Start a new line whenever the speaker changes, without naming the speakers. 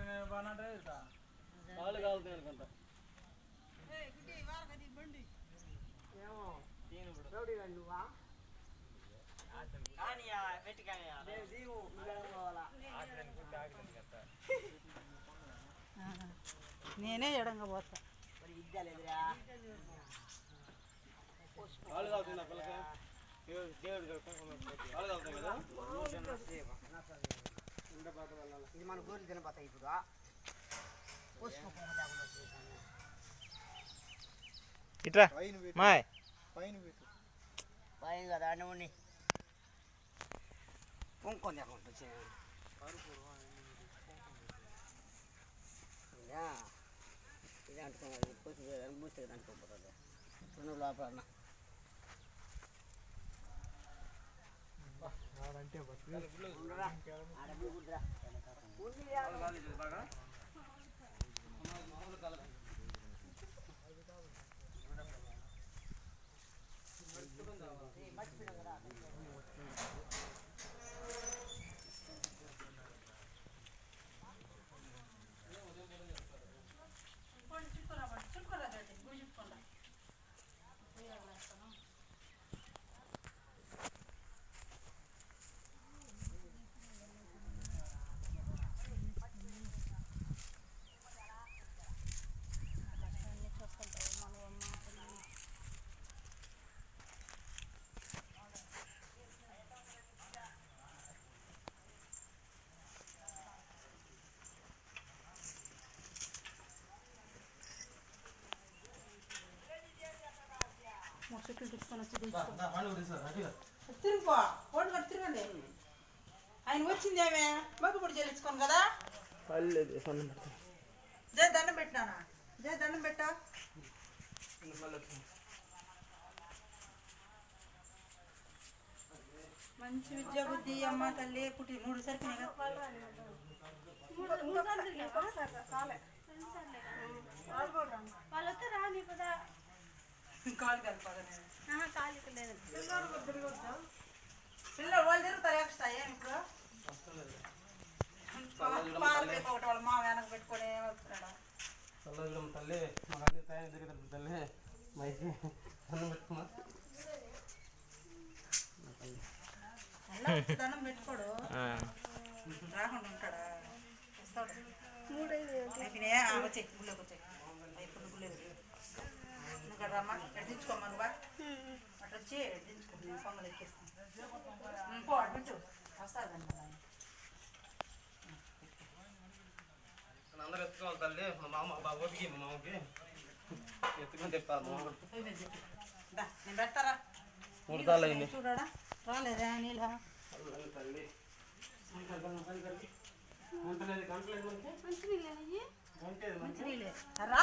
కాళ్ళు కాలుతాయి అనుకుంటా
నేనే ఎడంగా పోతా
కాళ్ళు కాలుతాయి నా పిల్లకి కాళ్ళు కాలుతాయి కదా
ఇది మన గోర్లు తినపోతాయి ఇప్పుడు
ఇట్రా మాయ్
పైన కదా అన్నీ పొంకొని వచ్చి ఇది అంటుకోవాలి మూస్తే అనుకోపోతుంది రెండు లోపల
చెట్లు తీసుకొని వచ్చి తిరుగుపో ఓటు కట్టి తిరగండి ఆయన వచ్చిందేమే మగ్గుపొడి చెల్లించుకోను కదా జయ దండం పెట్టినానా జయ దండం పెట్టా మంచి విద్య బుద్ధి అమ్మ తల్లి పుట్టి 3 సరిపోయినాయి కదా కాలు కలిపి పిల్లలు వాళ్ళు తిరుగుతారు ఎక్స్ట్రా ఏం ఇప్పుడు పాలకి ఒకటి వాళ్ళ మా వెనక పెట్టుకొని వస్తున్నాడా
తల్లి మాకు తయారు తిరుగుతారు తల్లి మైకి పెట్టుకున్నా
దండం పెట్టుకోడు రాకుండా ఉంటాడా వస్తాడు వచ్చాయి గుళ్ళోకి వచ్చాయి ఇప్పుడు గుళ్ళో ఇక్కడ రమ్మా దించుకోమ్మా నువ్వు అట్లా వచ్చి దించుకో పొంగలు ఎక్కిస్తాను పో అడ్మిట్ వస్తాదండి
అందరూ ఎత్తుకోవాలి తల్లి మా మామ బాబోకి మా మామకి ఎత్తుకొని తెప్పాను
నేను పెడతారా
3 సార్లు అయింది
చూడడా రాలేదా నీళ్ళ
తల్లి
మంచి నీళ్ళే